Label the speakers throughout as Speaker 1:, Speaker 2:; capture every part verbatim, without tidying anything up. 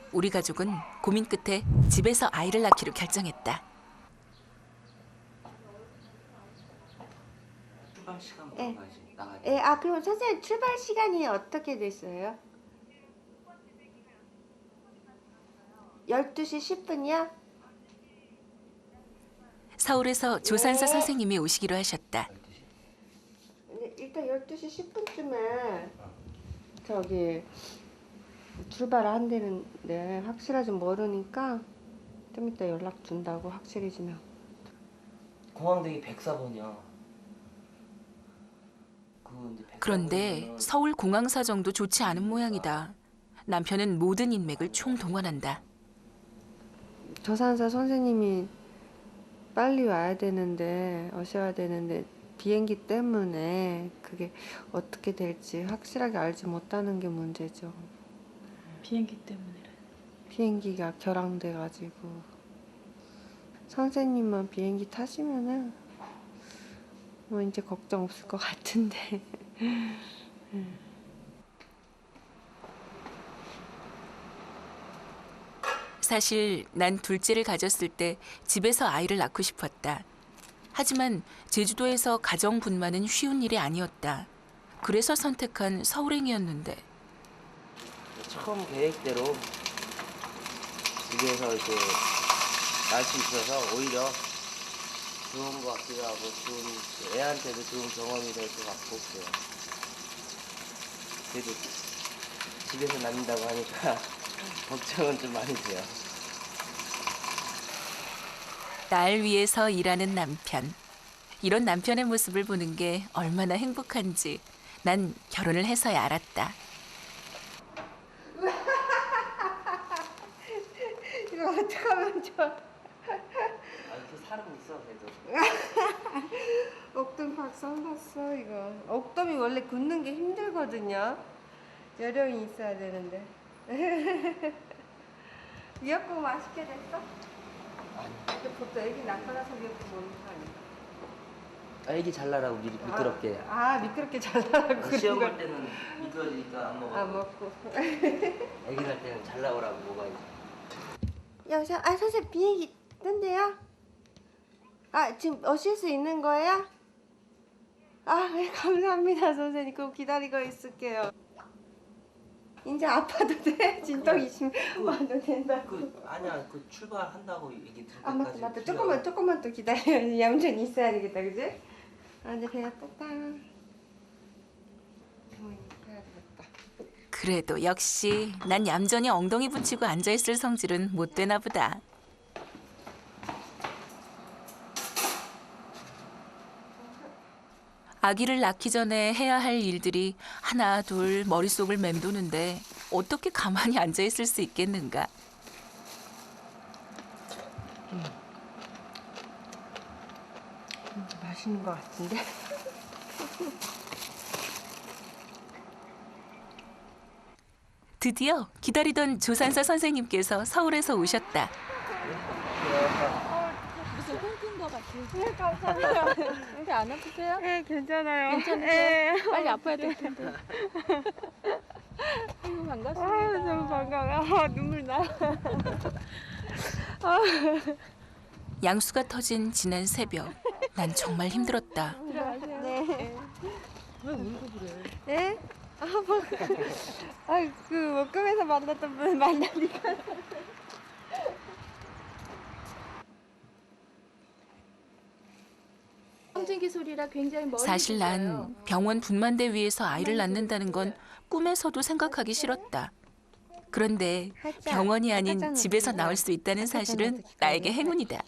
Speaker 1: 우리 가족은 고민 끝에 집에서 아이를 낳기로 결정했다.
Speaker 2: 출발 시간
Speaker 3: 예.
Speaker 2: 물어봐야지. 나가야
Speaker 3: 예, 아 그럼 선생님 출발 시간이 어떻게 됐어요? 열두 시 십 분이요?
Speaker 1: 서울에서 조산사
Speaker 3: 네.
Speaker 1: 선생님이 오시기로 하셨다.
Speaker 3: 네, 일단 열두 시 십 분쯤에 저기 출발을 한다는데 확실하지 모르니까 좀 이따 연락 준다고 확실해지면.
Speaker 2: 공항대기 백사 번이야.
Speaker 1: 그런데 서울 공항 사정도 좋지 않은 모양이다. 남편은 모든 인맥을 총동원한다.
Speaker 3: 조산사 선생님이 빨리 와야 되는데 오셔야 되는데 비행기 때문에 그게 어떻게 될지 확실하게 알지 못하는 게 문제죠.
Speaker 4: 비행기 때문이래.
Speaker 3: 비행기가 결항돼 가지고 선생님만 비행기 타시면은 뭐 이제 걱정 없을 것 같은데.
Speaker 1: 사실 난 둘째를 가졌을 때 집에서 아이를 낳고 싶었다. 하지만 제주도에서 가정 분만은 쉬운 일이 아니었다. 그래서 선택한 서울행이었는데
Speaker 2: 처음 계획대로 집에서 이제 날 수 있어서 오히려 좋은 것 같기도 하고 좋은 애한테도 좋은 경험이 될 것 같고 그래요. 그래도 집에서 낳는다고 하니까 걱정은 좀 많이 돼요.
Speaker 1: 날 위해서 일하는 남편. 이런 남편의 모습을 보는 게 얼마나 행복한지 난 결혼을 해서야 알았다.
Speaker 3: 이거 어떡하면 좋아.
Speaker 2: 아, 그 사람 있어 그래도.
Speaker 3: 옥돔 박살 났어 이거. 옥돔이 원래 굽는 게 힘들거든요. 요령이 있어야 되는데. 미역국 맛있게 됐어?
Speaker 2: 아니,
Speaker 3: 근데 보통 애기 낳고나서 미역국 먹는 거 아니야?
Speaker 2: 아, 애기 잘 나라고 미, 미끄럽게.
Speaker 3: 아, 아 미끄럽게 잘라라고
Speaker 2: 시험
Speaker 3: 그런
Speaker 2: 볼 때는 미끄러지니까 안 먹어.
Speaker 3: 아 먹고.
Speaker 2: 애기 날 때는 잘 나오라고 먹어야지.
Speaker 3: 여보세요? 아 선생님 비행기 뜬대요? 아 지금 오실 수 있는 거예요? 아 네, 감사합니다 선생님. 그럼 기다리고 있을게요. 이제 아파도 돼? 진통 이십 와도 된다.
Speaker 2: 그 아니야 그 출발한다고 얘기 들을
Speaker 3: 아 맞다
Speaker 2: 때까지.
Speaker 3: 맞다.
Speaker 2: 기다려.
Speaker 3: 조금만 조금만 또 기다려. 얌전히 있어야 되겠다 그지? 아 이제 배가 떴다. 어머니 해야 되겠다.
Speaker 1: 그래도 역시 난 얌전히 엉덩이 붙이고 앉아있을 성질은 못 되나 보다. 아기를 낳기 전에 해야 할 일들이 하나 둘 머릿속을 맴도는데 어떻게 가만히 앉아있을 수 있겠는가.
Speaker 3: 음, 맛있는 것 같은데?
Speaker 1: 드디어 기다리던 조산사 선생님께서 서울에서 오셨다.
Speaker 4: 무슨 꿈꾼 거 같아.
Speaker 3: 네 감사합니다.
Speaker 4: 이렇게 안 아프세요?
Speaker 3: 네 괜찮아요.
Speaker 4: 괜찮으세요?
Speaker 3: 네.
Speaker 4: 빨리 아파야 될 텐데. 아이고 반갑습니다.
Speaker 3: 아 너무 반가워. 아 눈물 나.
Speaker 1: 양수가 터진 지난 새벽. 난 정말 힘들었다.
Speaker 4: 들어가세요.
Speaker 3: 네.
Speaker 4: 왜 울고 그래?
Speaker 3: 네? 아 뭐, 아그 목금에서 만났던 분 만나니까.
Speaker 4: 성진기 소리라 굉장히 멀리
Speaker 1: 사실
Speaker 4: 들려요.
Speaker 1: 난 병원 분만대 위에서 아이를 낳는다는 건 꿈에서도 생각하기 싫었다. 그런데 병원이 아닌 집에서 나올 수 있다는 사실은 나에게 행운이다.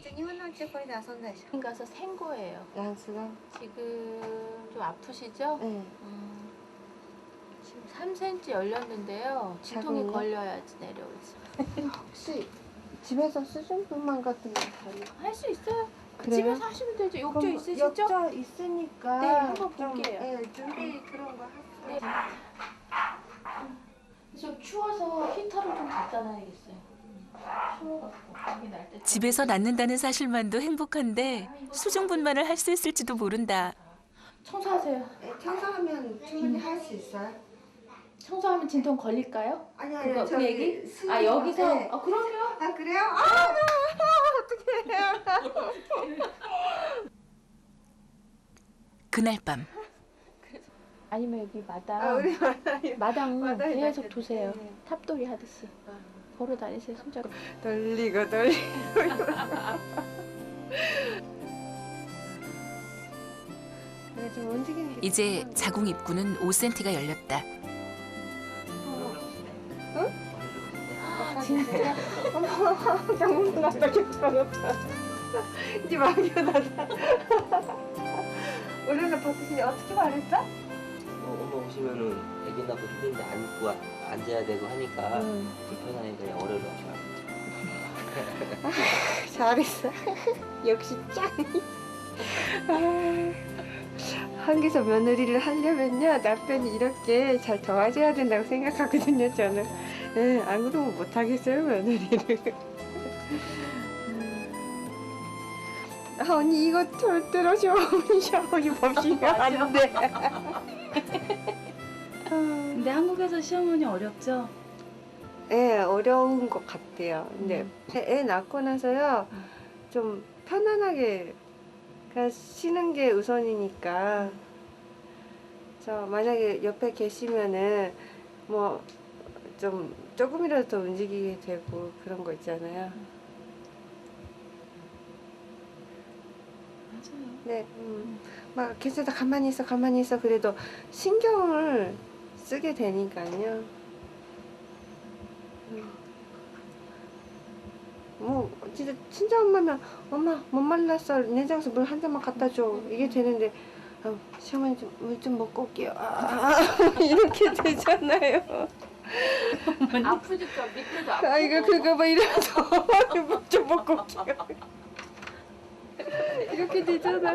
Speaker 4: 병원 가서 생 거예요.
Speaker 3: 양수가?
Speaker 4: 지금 좀 아프시죠?
Speaker 3: 네.
Speaker 4: 음, 지금 삼 센티미터 열렸는데요. 진통이
Speaker 3: 자궁이요?
Speaker 4: 걸려야지 내려오지.
Speaker 3: 혹시 집에서 수중분만 같은 거 가요?
Speaker 4: 할 수 있어요.
Speaker 3: 그래요?
Speaker 4: 집에서 하시면 되죠. 욕조
Speaker 3: 그럼
Speaker 4: 있으시죠?
Speaker 3: 욕조 있으니까
Speaker 4: 네, 한번
Speaker 3: 좀,
Speaker 4: 볼게요.
Speaker 3: 네, 준비 그런 거
Speaker 4: 네.
Speaker 3: 하세요.
Speaker 4: 좀 추워서 히터를 좀 갖다 놔야겠어요. 추워갖고 감기 날 때.
Speaker 1: 집에서 낳는다는 사실만도 행복한데 수중분만을 할 수 있을지도 모른다.
Speaker 4: 청소하세요.
Speaker 3: 네, 청소하면 충분히 할 수 있어요.
Speaker 4: 청소하면 진통 걸릴까요?
Speaker 3: 아니
Speaker 4: 그거, 그
Speaker 3: 저기
Speaker 4: 얘기?
Speaker 3: 수능
Speaker 4: 아 여기서?
Speaker 3: 네.
Speaker 4: 아 그럼요.
Speaker 3: 아 그래요? 아 어떡해.
Speaker 1: 그날 밤
Speaker 4: 아니면 여기 마당
Speaker 3: 아 우리 마당이
Speaker 4: 마당
Speaker 3: 마당에
Speaker 4: 계속
Speaker 3: 놨겠다.
Speaker 4: 두세요.
Speaker 3: 네.
Speaker 4: 탑돌이 하듯이 걸어 다니세요 손잡고.
Speaker 3: 돌리고 돌리고. 내가 좀 움직이는 게.
Speaker 1: 이제 자궁 입구는 오 센티미터가 열렸다.
Speaker 4: 진짜?
Speaker 3: 장문 났다 괜찮았다. 이제 막혀놨다. 오늘은 버티시 어떻게 말했어?
Speaker 2: 어, 엄마 오시면은 애기 낳고 힘든데 안고 아- 앉아야 되고 하니까
Speaker 3: 응.
Speaker 2: 불편하니까 어려워.
Speaker 3: 잘했어. 역시 짱. 아, 한국에서 며느리를 하려면요 남편이 이렇게 잘 도와줘야 된다고 생각하거든요 저는. 예, 안 그러면 못 하겠어요 며느리를. 아, 언니 이거 절대로 시어머니 샤워기 없이면 안 돼.
Speaker 4: 근데 한국에서 시어머니 어렵죠?
Speaker 3: 예, 어려운 것 같아요. 근데 애 낳고 나서요 좀 편안하게 그냥 쉬는 게 우선이니까. 저 만약에 옆에 계시면은 뭐 좀 조금이라도 더 움직이게 되고 그런 거 있잖아요.
Speaker 4: 맞아요.
Speaker 3: 네, 음, 막 괜찮다 가만히 있어 가만히 있어 그래도 신경을 쓰게 되니까요. 음. 뭐 진짜 친정 엄마면 엄마 못 말랐어 냉장고에서 물 한 잔만 갖다 줘 이게 되는데 아, 시어머니 좀 물 좀 먹고 올게요. 아, 이렇게 되잖아요.
Speaker 4: 아프니까 밑에도 아프고.
Speaker 3: 아 이거 그거 막 이러면서 물 좀 먹고 올게요. 이렇게 되잖아.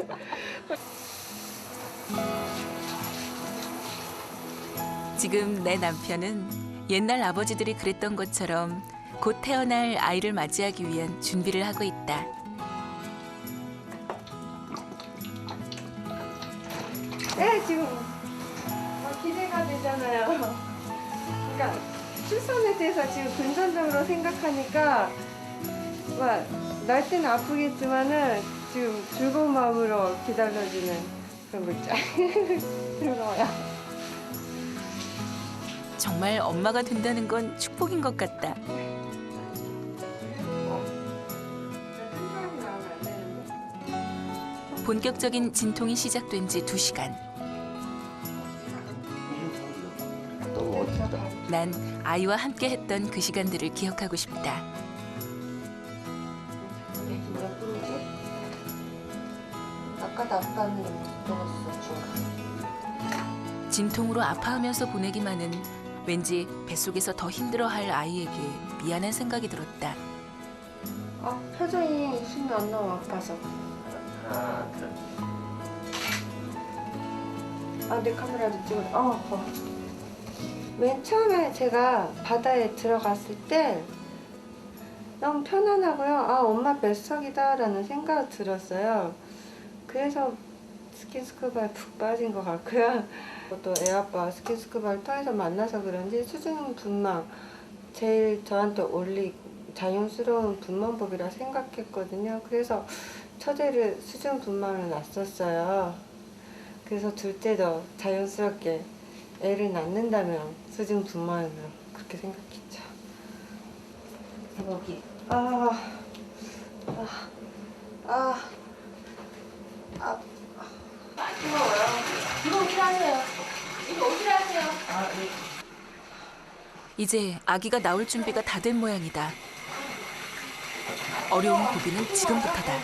Speaker 1: 지금 내 남편은 옛날 아버지들이 그랬던 것처럼 곧 태어날 아이를 맞이하기 위한 준비를 하고 있다.
Speaker 3: 네 지금 막 기대가 되잖아요. 그러니까 출산에 대해서 지금 근전적으로 생각하니까 막 날 때는 아프겠지만은 지금 즐거운 마음으로 기다려지는 그런 거 있죠. 즐거워요.
Speaker 1: 정말 엄마가 된다는 건 축복인 것 같다. 본격적인 진통이 시작된 지 두 시간.
Speaker 2: 너무 어렵다.
Speaker 1: 난 아이와 함께 했던 그 시간들을 기억하고 싶다.
Speaker 3: 몇 분이지? 아까도 아빠는 먹었어 중간.
Speaker 1: 진통으로 아파하면서 보내기만은 왠지 뱃속에서 더 힘들어할 아이에게 미안한 생각이 들었다.
Speaker 3: 아 표정이 숨이 안 나와 아파서.
Speaker 2: 하나, 둘.
Speaker 3: 아 내 카메라도 찍어. 어, 어. 맨 처음에 제가 바다에 들어갔을 때 너무 편안하고요. 아 엄마 뱃속이다라는 생각이 들었어요. 그래서 스킨스쿠버에 푹 빠진 것 같고요. 또 애아빠 스킨스쿠버를 통해서 만나서 그런지 수중 분만 제일 저한테 올리 자연스러운 분만법이라 생각했거든요. 그래서 첫째를 수중 분만을 놨었어요. 그래서 둘째도 자연스럽게 애를 낳는다면 수중 분만으로 그렇게 생각했죠. 여기 아, 아, 아, 아,
Speaker 4: 이거 오시라세요. 이거 오시라세요.
Speaker 1: 이제 아기가 나올 준비가 다 된 모양이다. 어려운 고비는 지금부터다.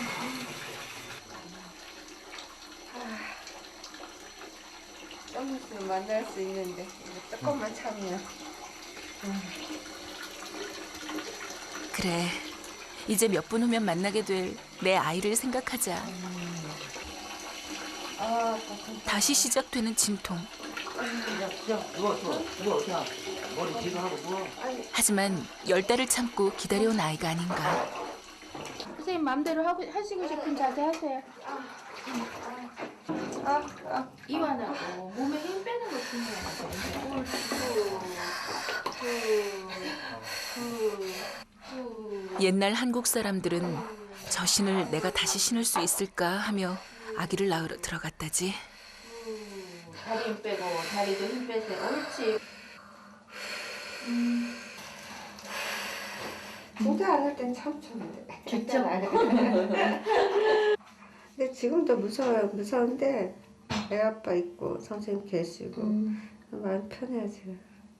Speaker 3: 좀 있으면 만날 수 있는데 이제 조금만 참으면.
Speaker 1: 그래, 이제 몇 분 후면 만나게 될 내 아이를 생각하자.
Speaker 3: 아,
Speaker 1: 다시 시작되는 진통.
Speaker 2: 그냥 그냥 누워 누워 누워 그냥 머리 뒤로 하고 누워.
Speaker 1: 하지만 열 달을 참고 기다려온 아이가 아닌가.
Speaker 4: 선생님 마음대로 하고 하시고 싶은 자세 하세요.
Speaker 3: 아, 아.
Speaker 4: 이완하고 몸에 힘 빼는 거 중요해요.
Speaker 1: 옛날 한국 사람들은 저 신을 내가 다시 신을 수 있을까 하며 아기를 낳으러 들어갔다지.
Speaker 4: 다리 힘 빼고 다리도 힘 빼세요. 옳지. 음.
Speaker 3: 진짜 안 할 땐 참 좋은데.
Speaker 4: 좋죠.
Speaker 3: 근데 지금도 무서워요. 무서운데 애 아빠 있고 선생님 계시고
Speaker 4: 음.
Speaker 3: 마음 편해요 지금.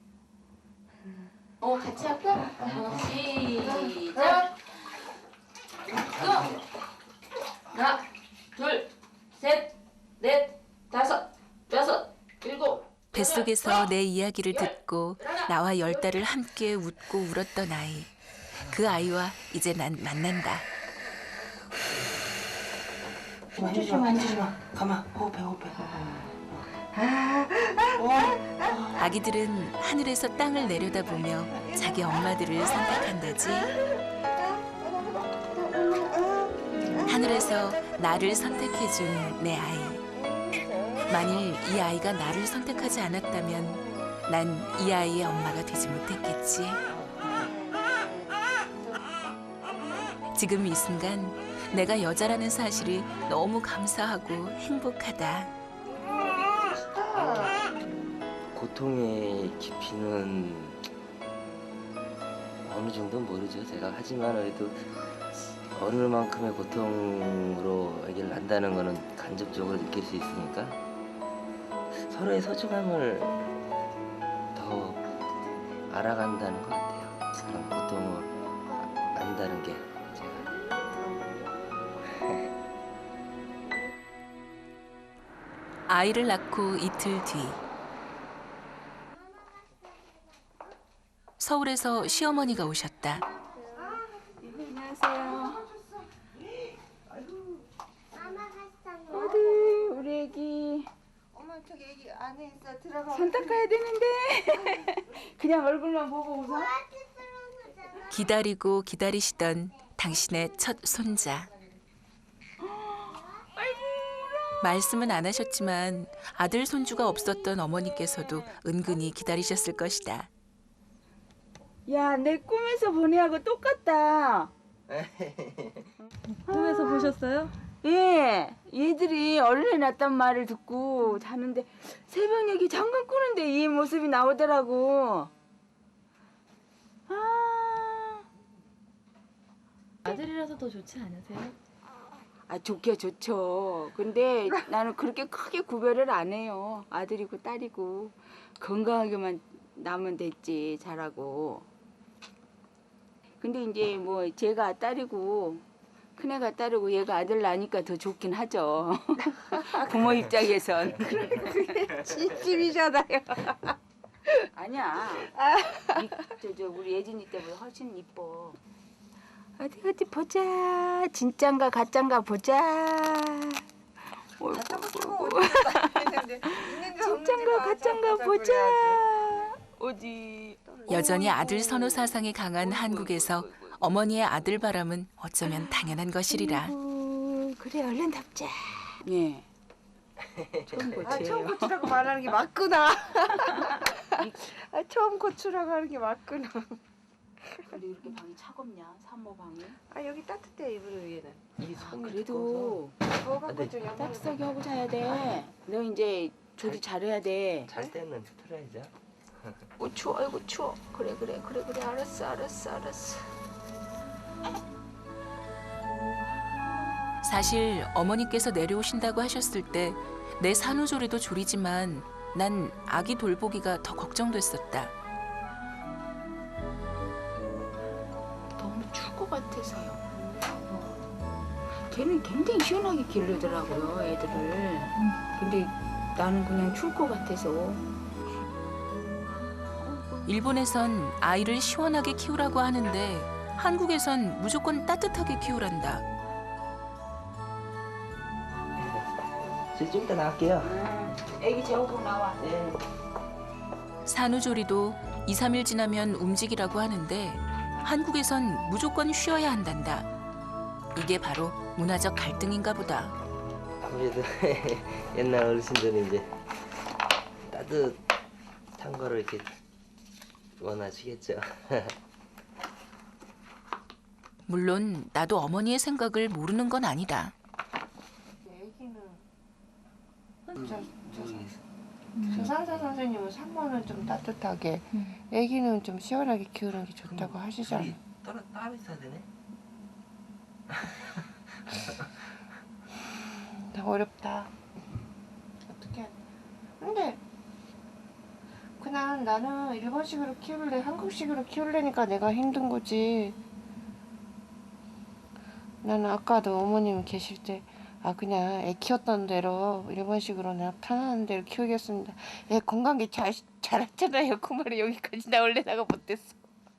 Speaker 4: 어 같이 할까? 어, 시작. 고! 하나, 둘, 셋, 넷, 다섯, 여섯, 일곱.
Speaker 1: 뱃속에서 내 이야기를 듣고 나와 열 달을 함께 웃고 울었던 아이. 그 아이와 이제 난 만난다.
Speaker 2: 만지지 마, 만지지 마. 가만, 호흡해, 호흡해.
Speaker 1: 아기들은 하늘에서 땅을 내려다보며 자기 엄마들을 선택한다지. 하늘에서 나를 선택해준 내 아이. 만일 이 아이가 나를 선택하지 않았다면 난 이 아이의 엄마가 되지 못했겠지. 지금 이 순간 내가 여자라는 사실이 너무 감사하고 행복하다.
Speaker 2: 고통의 깊이는 어느 정도는 모르죠, 제가. 하지만 그래도 어느 만큼의 고통으로 아기를 낳는다는 거는 간접적으로 느낄 수 있으니까 서로의 소중함을 더 알아간다는 것 같아요. 그런 고통을 안다는 게 제가.
Speaker 1: 아이를 낳고 이틀 뒤 서울에서 시어머니가 오셨다.
Speaker 5: 안녕하세요. 어디 우리 애기
Speaker 3: 엄마 저기 애기 안에 있어. 들어가.
Speaker 5: 손 닦아야 되는데 그냥 얼굴만 보고 웃어?
Speaker 1: 기다리고 기다리시던 당신의 첫 손자. 말씀은 안 하셨지만 아들 손주가 없었던 어머니께서도 은근히 기다리셨을 것이다.
Speaker 5: 야, 내 꿈에서 본 애하고 똑같다.
Speaker 6: 꿈에서 보셨어요?
Speaker 5: 예, 얘들이 얼른 났단 말을 듣고 자는데 새벽녘에 잠깐 꾸는데 이 모습이 나오더라고. 아,
Speaker 6: 아들이라서 더 좋지 않으세요?
Speaker 5: 아 좋게 좋죠. 근데 나는 그렇게 크게 구별을 안 해요. 아들이고 딸이고 건강하게만 나면 됐지 잘하고. 근데 이제 뭐 제가 딸이고 큰애가 딸이고 얘가 아들 나니까 더 좋긴 하죠. 부모 입장에선.
Speaker 3: 찜찜이잖아요.
Speaker 5: 아니야. 저, 저 우리 예진이 때보다 훨씬 이뻐. 어디 어디 보자. 진짠가 가짠가 보자. 진짠가 가짠가 보자. 어디.
Speaker 1: 여전히 아들 선호 사상이 강한 한국에서 어머니의 아들 바람은 어쩌면 당연한 것이리라.
Speaker 5: 아이고, 그래 얼른 답자. 예. 처음
Speaker 3: 아
Speaker 5: 고치예요.
Speaker 3: 처음 고추라고 말하는 게 맞구나. 아 처음 고추라고 하는 게 맞구나.
Speaker 5: 근데 이렇게 방이 차갑냐? 산모 방이?
Speaker 3: 아 여기 따뜻해 이불 위에는.
Speaker 2: 이
Speaker 5: 아,
Speaker 2: 손이
Speaker 5: 그래도
Speaker 3: 더워갖고 좀 양말.
Speaker 5: 따뜻하게 하고 자야 돼. 너 이제 조리 잘해야 돼.
Speaker 2: 잘 때는 틀어야죠.
Speaker 5: 어, 추워, 아이고 추워. 그래 그래 그래 그래 알았어 알았어 알았어.
Speaker 1: 사실 어머니께서 내려오신다고 하셨을 때 내 산후조리도 조리지만 난 아기 돌보기가 더 걱정됐었다.
Speaker 5: 너무 추울 것 같아서요. 걔는 굉장히 시원하게 기르더라고요 애들을. 근데 나는 그냥 추울 것 같아서.
Speaker 1: 일본에선 아이를 시원하게 키우라고 하는데 한국에선 무조건 따뜻하게 키우란다.
Speaker 2: 저 좀 이따 나갈게요.
Speaker 5: 애기 재우고 나와.
Speaker 2: 네.
Speaker 1: 산후조리도 이, 삼 일 지나면 움직이라고 하는데 한국에선 무조건 쉬어야 한단다. 이게 바로 문화적 갈등인가 보다.
Speaker 2: 아무래도 옛날 어르신들은 이제 따뜻한 거를 이렇게 원하시겠죠.
Speaker 1: 물론 나도 어머니의 생각을 모르는 건 아니다.
Speaker 3: 애기는 저, 저, 저 산사 선생님은 산모는 좀 따뜻하게, 애기는 좀 시원하게 키우는 게 좋다고 하시잖아.
Speaker 2: 따로 따로 있어야 되네.
Speaker 3: 어렵다. 어떻게? 근데 그냥 나는 일본식으로 키울래, 한국식으로 키울래니까 내가 힘든 거지. 나는 아까도 어머님 계실 때, 아 그냥 애 키웠던 대로 일본식으로 내가 편안한 대로 키우겠습니다. 애 건강하게 잘 자랐잖아요. 그 말이 여기까지 나올래다가 못했어.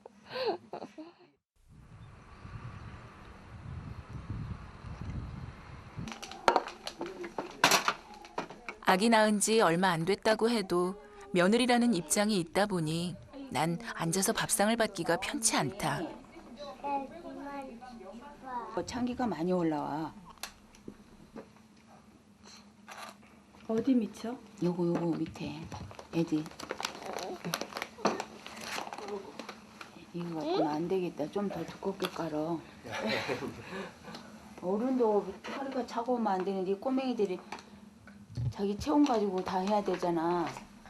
Speaker 1: 아기 낳은 지 얼마 안 됐다고 해도 며느리라는 입장이 있다 보니 난 앉아서 밥상을 받기가 편치 않다.
Speaker 5: 어, 참기가 많이 올라와.
Speaker 6: 어디 미쳐?
Speaker 5: 요거 요거 밑에 애들. 이거 갖고는 안 되겠다. 좀 더 두껍게 깔어. 어른도 허리가 차가우면 안 되는데 이 꼬맹이들이 자기 체온 가지고 다 해야 되잖아.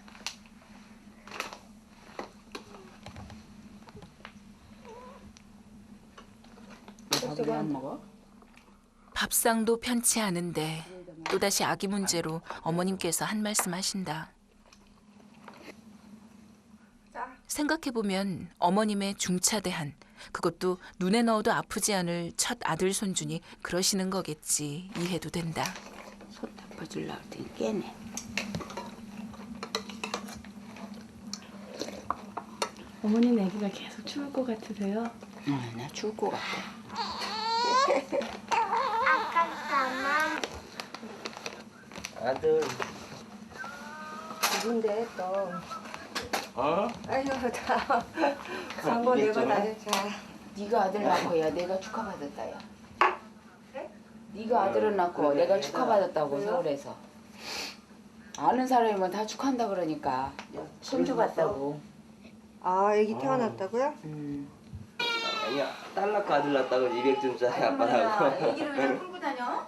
Speaker 5: 밥을 왜 안 먹어?
Speaker 1: 밥상도 편치 않은데 또다시 아기 문제로 어머님께서 한 말씀 하신다. 생각해보면 어머님의 중차대한, 그것도 눈에 넣어도 아프지 않을 첫 아들 손주니 그러시는 거겠지 이해도 된다.
Speaker 5: 솥 덮어주려고 했더니 깨네.
Speaker 6: 어머님 아기가 계속 추울 것 같으세요?
Speaker 5: 응, 나 죽을 것 같아.
Speaker 2: 아들.
Speaker 3: 누군데 또?
Speaker 2: 어?
Speaker 3: 아유 다 광고 내고 다닐 자.
Speaker 5: 네가 아들 낳고 야 내가 축하받았다 야. 네가 아들을 낳고 내가 축하받았다고 서울에서. 아는 사람이면 다 축하한다 그러니까. 손주 봤다고.
Speaker 3: 아 애기 태어났다고요?
Speaker 5: 음.
Speaker 2: 아니야, 딸 낳고 아들 낳았다고 이백 점짜리 아빠라고.
Speaker 5: 애기를 그냥 끌고 다녀?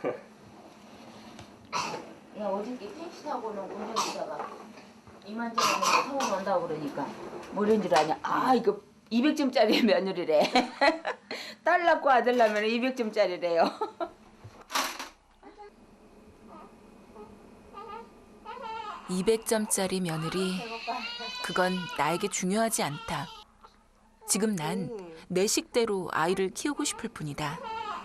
Speaker 5: 야 어저께 택시 타고는 운전기사가 이만저만 서울 온다고 그러니까 뭐라는 줄 아냐? 아 이거 이백 점짜리 며느리래. 딸 낳고 아들 낳으면 이백 점짜리래요.
Speaker 1: 이백 점짜리 며느리, 그건 나에게 중요하지 않다. 지금 난 내 식대로 아이를 키우고 싶을 뿐이다.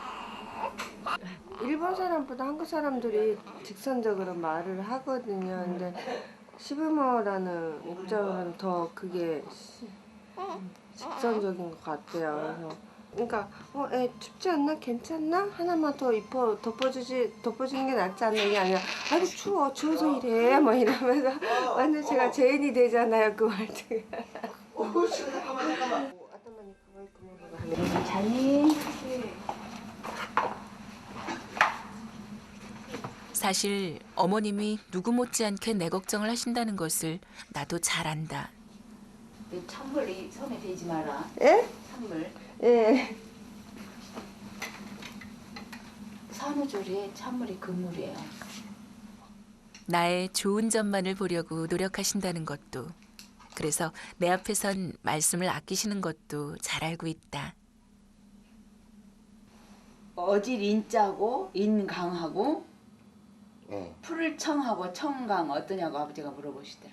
Speaker 3: 일본 사람보다 한국 사람들이 직선적으로 말을 하거든요. 근데 시부모라는 입장은 더 그게 시- 직선적인 것 같아요. 그래서 그러니까 어, 애 춥지 않나? 괜찮나? 하나만 더 입어 덮어주지 덮어주는 게 낫지 않나? 이게 아니라 아이고 추워 추워서 이래 뭐 이러면서 완전 제가 죄인이 되잖아요 그 말투가.
Speaker 5: 자니?
Speaker 1: 사실 어머님이 누구 못지않게 내 걱정을 하신다는 것을 나도 잘 안다.
Speaker 5: 이 찬물 이 손에 대지 마라.
Speaker 3: 예?
Speaker 5: 찬물.
Speaker 3: 예.
Speaker 5: 산후조리에 찬물이 금물이에요.
Speaker 1: 나의 좋은 점만을 보려고 노력하신다는 것도, 그래서 내 앞에선 말씀을 아끼시는 것도 잘 알고 있다.
Speaker 5: 어질 인자고 인강하고
Speaker 2: 네.
Speaker 5: 풀을 청하고 청강 어떠냐고 아버지가 물어보시더라.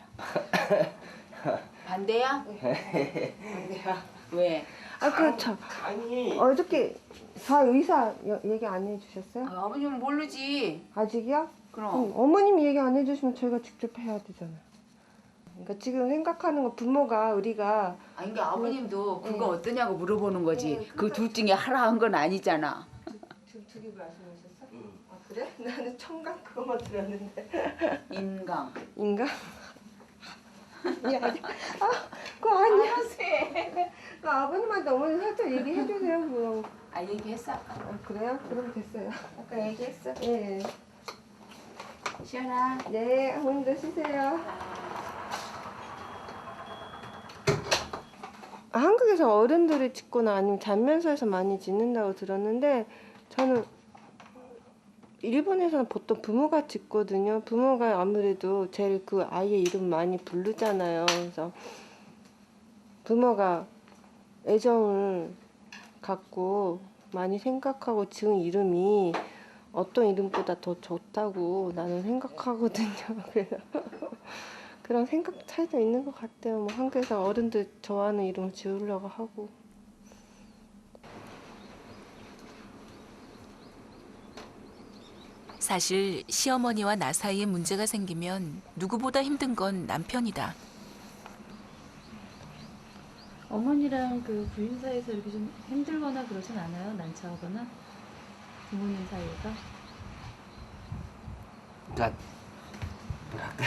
Speaker 5: 반대야?
Speaker 3: 반대야.
Speaker 5: 왜?
Speaker 3: 아 그렇죠.
Speaker 2: 아니.
Speaker 3: 어저께 다 의사 여- 얘기 안 해주셨어요?
Speaker 5: 아, 아버님은 모르지.
Speaker 3: 아직이요?
Speaker 5: 그럼.
Speaker 3: 그럼 어머님이 얘기 안 해주시면 저희가 직접 해야 되잖아요. 그러니까 지금 생각하는 거 부모가 우리가
Speaker 5: 아니 그러니까 아버님도 그거
Speaker 3: 네.
Speaker 5: 어떠냐고 물어보는 거지.
Speaker 3: 네,
Speaker 5: 그 둘 중에 하라 한 건 아니잖아.
Speaker 3: 두개 말씀하셨어? 아 그래? 나는 청각 그거만 들었는데.
Speaker 5: 인강.
Speaker 3: 인가? 야, 아, 그거 아니야. 그 아버님한테 어머니 살짝 얘기해 주세요. 그럼.
Speaker 5: 아 얘기했어?
Speaker 3: 아, 그래요? 그럼 됐어요. 아까 얘기했어? 예.
Speaker 5: 시연아.
Speaker 3: 네, 어머님도 쉬세요. 한국에서 어른들이 짓거나 아니면 잔면서에서 많이 짓는다고 들었는데 저는 일본에서는 보통 부모가 짓거든요. 부모가 아무래도 제일 그 아이의 이름 많이 부르잖아요. 그래서 부모가 애정을 갖고 많이 생각하고 지은 이름이 어떤 이름보다 더 좋다고 나는 생각하거든요. 그래서 그런 생각 차이도 있는 것 같아요. 뭐 한국에서 어른들 좋아하는 이름을 지으려고 하고.
Speaker 1: 사실 시어머니와 나 사이에 문제가 생기면 누구보다 힘든 건 남편이다.
Speaker 6: 어머니랑 그 부인 사이에서 이렇게 좀 힘들거나 그러진 않아요? 난처하거나? 부모님 사이에서?
Speaker 2: 그러니까 뭐랄까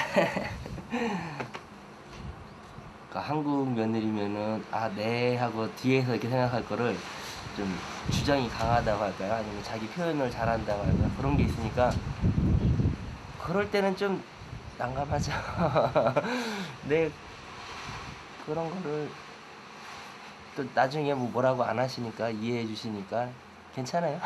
Speaker 2: 그러니까 한국 며느리면은 아 네 하고 뒤에서 이렇게 생각할 거를 좀 주장이 강하다고 할까요? 아니면 자기 표현을 잘한다고 할까요? 그런 게 있으니까 그럴 때는 좀 난감하죠. 네 그런 거를 또 나중에 뭐 뭐라고 안 하시니까 이해해 주시니까 괜찮아요.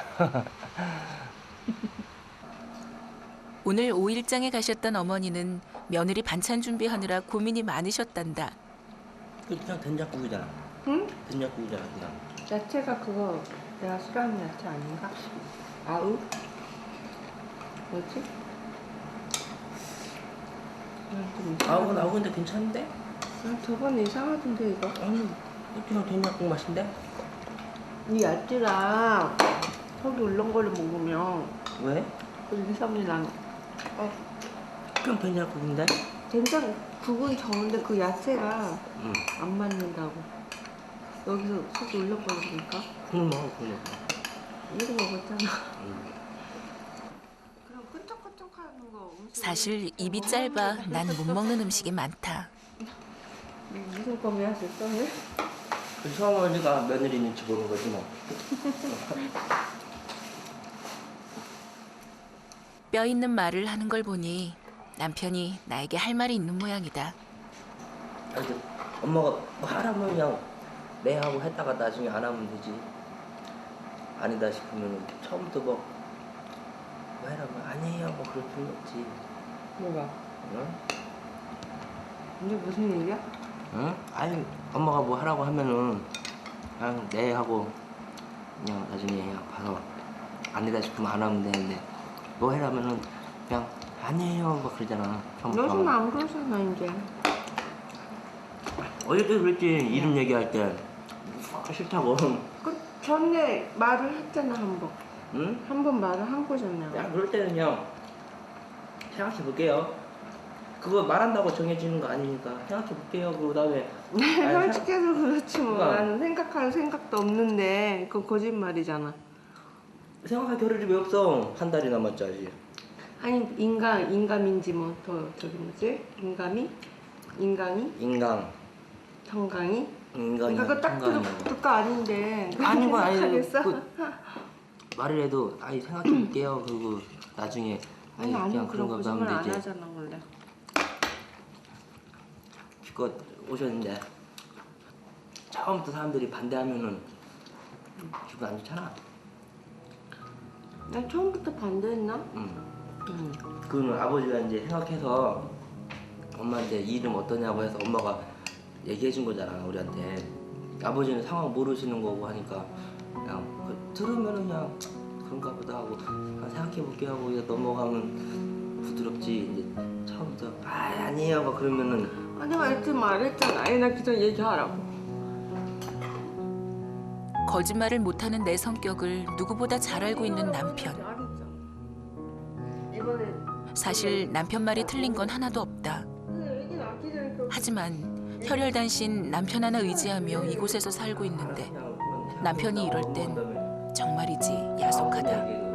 Speaker 1: 오늘 오일장에 가셨던 어머니는 며느리 반찬 준비하느라 고민이 많으셨단다.
Speaker 2: 그냥 된장국이잖아.
Speaker 3: 응?
Speaker 2: 된장국이잖아 그냥.
Speaker 3: 야채가 그거 내가 싫어하는 야채 아닌가? 아우? 뭐지? 좀 이상하다.
Speaker 2: 아우 나오는데 괜찮은데?
Speaker 3: 아, 저번에 이상하던데 이거.
Speaker 2: 아니 그냥 된장국 맛인데?
Speaker 3: 이 야채랑 속이 울렁거려 먹으면
Speaker 2: 왜?
Speaker 3: 그 인삼이 난. 어,
Speaker 2: 그냥 된장국인데?
Speaker 3: 된장국은 좋은데 그 야채가
Speaker 2: 응.
Speaker 3: 안 맞는다고. 여기서 속이 울렁거리니까.
Speaker 2: 그럼 먹어 그럼 먹어.
Speaker 3: 이거 먹었잖아.
Speaker 2: 응.
Speaker 3: 그럼 끈적끈적하는 거 음식.
Speaker 1: 사실 입이 짧아 난 못 먹는 음식이 많다.
Speaker 3: 무슨 꿈이 하셨어? 왜?
Speaker 2: 그 시어머니가 며느리 눈치 보는 거지 뭐.
Speaker 1: 뼈 있는 말을 하는 걸 보니 남편이 나에게 할 말이 있는 모양이다.
Speaker 2: 아니 그 엄마가 뭐 하라면 그냥 네 하고 했다가 나중에 안 하면 되지. 아니다 싶으면 처음부터 뭐, 뭐 해라면 아니에요 뭐 그럴 필요 없지.
Speaker 3: 뭐가?
Speaker 2: 응?
Speaker 3: 이게 무슨 일이야?
Speaker 2: 응? 아니 엄마가 뭐 하라고 하면은 그냥 네 하고 그냥 나중에 그냥 봐서 아니다 싶으면 안 하면 되는데 뭐 해라면은 그냥 아니에요 막 그러잖아. 처음부터.
Speaker 3: 요즘은 안 그러잖아 이제.
Speaker 2: 어저께 그랬지 이름 얘기할 때 싫다고.
Speaker 3: 그 전에 말을 했잖아 한 번.
Speaker 2: 응?
Speaker 3: 한 번 말을 한 거잖아.
Speaker 2: 그냥 그럴 때는 그냥 생각해 볼게요. 그거 말한다고 정해지는 거 아니니까 생각해 볼게요. 그 다음에
Speaker 3: 솔직해서 그렇지 뭐.
Speaker 2: 그러니까.
Speaker 3: 나는 생각할 생각도 없는데 그건 거짓말이잖아.
Speaker 2: 생각할 겨를이 왜 없어? 한 달이 남았지 아직.
Speaker 3: 아니 인간 인감인지 뭐 더 저기 뭐지? 인감이? 인강이?
Speaker 2: 인강.
Speaker 3: 정강이?
Speaker 2: 인강이.
Speaker 3: 그거 딱 들을 거 아닌데.
Speaker 2: 아닌 건 아니고
Speaker 3: 생각하겠어?
Speaker 2: 그 말을 해도 아니 생각해 볼게요. 그리고 나중에
Speaker 3: 아니 아니
Speaker 2: 그냥
Speaker 3: 그런
Speaker 2: 거
Speaker 3: 거짓말
Speaker 2: 하면
Speaker 3: 안
Speaker 2: 되지.
Speaker 3: 하잖아 원래.
Speaker 2: 기껏 오셨는데 처음부터 사람들이 반대하면은 기분 안 좋잖아.
Speaker 3: 난 처음부터 반대했나?
Speaker 2: 응.
Speaker 3: 응.
Speaker 2: 그거는 아버지가 이제 생각해서 엄마한테 이 이름 어떠냐고 해서 엄마가 얘기해 준 거잖아 우리한테. 아버지는 상황 모르시는 거고 하니까 그냥 그 들으면은 그냥 그런가 보다 하고 그냥 생각해 볼게 하고 그냥 넘어가면 부드럽지. 이제 처음부터 아 아니에요 막 그러면은
Speaker 3: 아 내가 일찍 말했잖아. 아니 나 그냥 얘기하라고.
Speaker 1: 거짓말을 못하는 내 성격을 누구보다 잘 알고 있는 남편.
Speaker 3: 이번에
Speaker 1: 사실 남편 말이 틀린 건 하나도 없다.
Speaker 3: 애기 낳기 전에 그
Speaker 1: 하지만 혈혈단신 남편 하나 의지하며 이곳에서 살고 있는데 남편이 이럴 땐 정말이지 야속하다.